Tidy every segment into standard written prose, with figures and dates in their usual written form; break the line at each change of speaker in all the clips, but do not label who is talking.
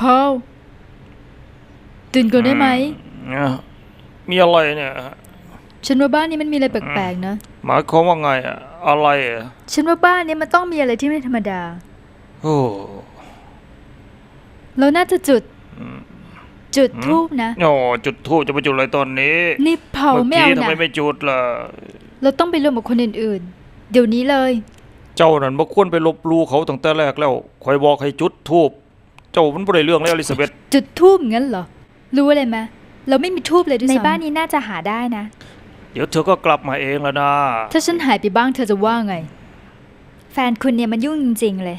พอลตื่นก่อนได้ไหม
มีอะไรเนี่ย
ฉันว่าบ้านนี้มันมีอะไรแปลกๆนะ
หมายความว่าไงอะไร
ฉันว่าบ้านนี้มันต้องมีอะไรที่ไม่ธรรมดา
โอ้
เราน่าจะจุดธูปนะ
โอ้จุดธูปจะไปจุดอะไรตอนนี้
นี่เผาไม่เอานะ
ทำไมไม่จุดล่ะ
เราต้องไปรวมกับคนอื่นๆเดี๋ยวนี้เลย
เจ้านั่นบ่ควรไปลบหลู่เขาตั้งแต่แรกแล้วคอยบอกให้จุดธูปเจ้ามันบ่ได้เรื่องแล้วอลิซาเบธ
จุดธูปงั้นเหรอรู้อะไรไหมเราไม่มีธูปเลยด้วยซ้ำในบ้านนี้น่าจะหาได้นะ
เดี๋ยวเธอก็กลับมาเองแล้วนะ
ถ้าฉันหายไปบ้างเธอจะว่าไงแฟนคุณเนี่ยมันยุ่งจริงๆเลย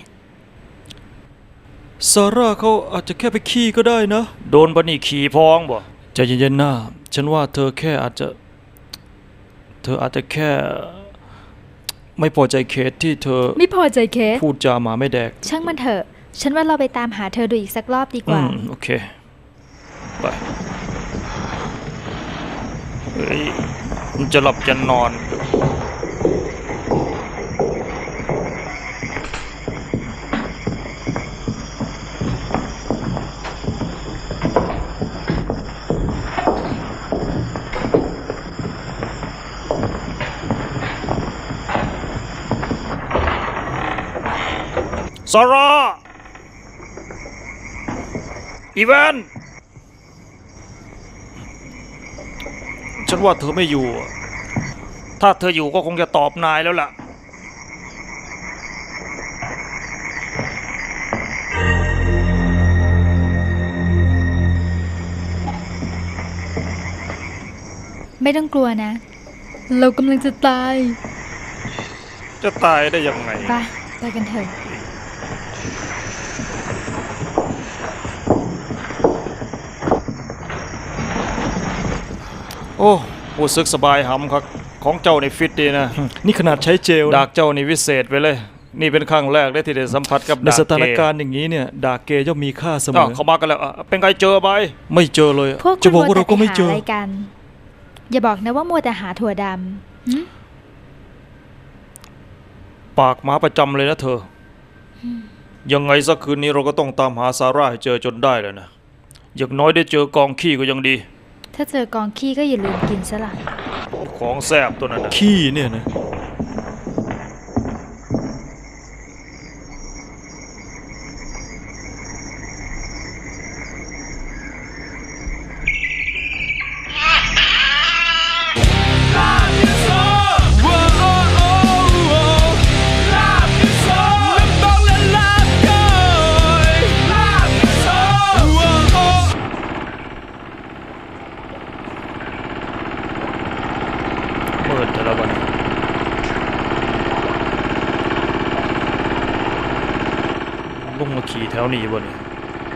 ซาร่าเขาอาจจะแค่ไปขี้ก็ได้นะ
โดนบันนี่ขี่พองบ่
ใจเย็นๆนะฉันว่าเธออาจจะแค่ไม่พอใจเคสที่เธอ
ไม่พอใจเคส
พูดจาหมาไม่แดก
ช่างมันเถอะฉันว่าเราไปตามหาเธอดูอีกสักรอบดีกว่า
โอเคไปเฮ้ยมันจะหลับจะนอนซาร่าอีแวนฉันว่าเธอไม่อยู่ถ้าเธออยู่ก็คงจะตอบนายแล้วล่ะ
ไม่ต้องกลัวนะเรากำลังจะตาย
จะตายได้ยังไง
ไปกันเถอะ
โอ้รู้สึกสบายหำครับของเจ้าในฟิตดีนะ
นี่ขนาดใช้เจล
ดากเจ้านี่วิเศษไปเลยนี่เป็นครั้งแรกได้ที่ได้สัมผัสกับ
ในสถานการณ์อย่างนี้เนี่ยดากเกย์ย่อมมีค่าเสมอ
เขามากันแล้วเป็นไงเจอไหม
ไม่เจอเลย
จะบอกว่าเราก็ไม่เจออะไรกันอย่าบอกนะว่ามัวแต่หาถั่วด
ำปากหมาประจำเลยนะเธอยังไงสักคืนนี้เราก็ต้องตามหาซาร่าให้เจอจนได้เลยนะอย่างน้อยได้เจอกองขี้ก็ยังดี
ถ้าเจอกองขี้ก็อย่าลืมกินซะล่ะ
ของแซ่บตัวนั้นนะ
ขี้เนี่ยนะ
ลุงมาขี่แถวนี้บ่เนี่ย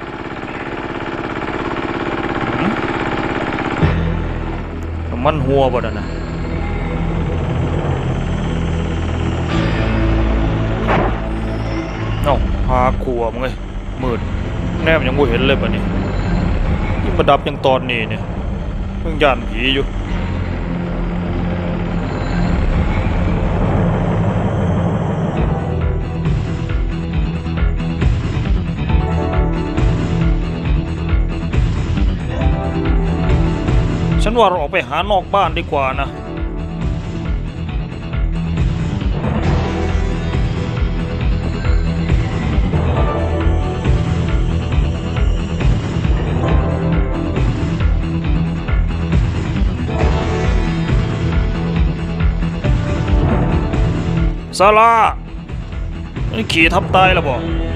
มันหัวบ่นะเอ้าหาขัวมึงไงมืดแนบยังไม่เห็นเลยบ่เนี่ยยิ่งมาดับยังตอนนี้เนี่ยเพิ่งย่านผีอยู่ฉันว่าเราออกไปหานอกบ้านดีกว่านะซาร่าขี่ทับตายแล้วบ่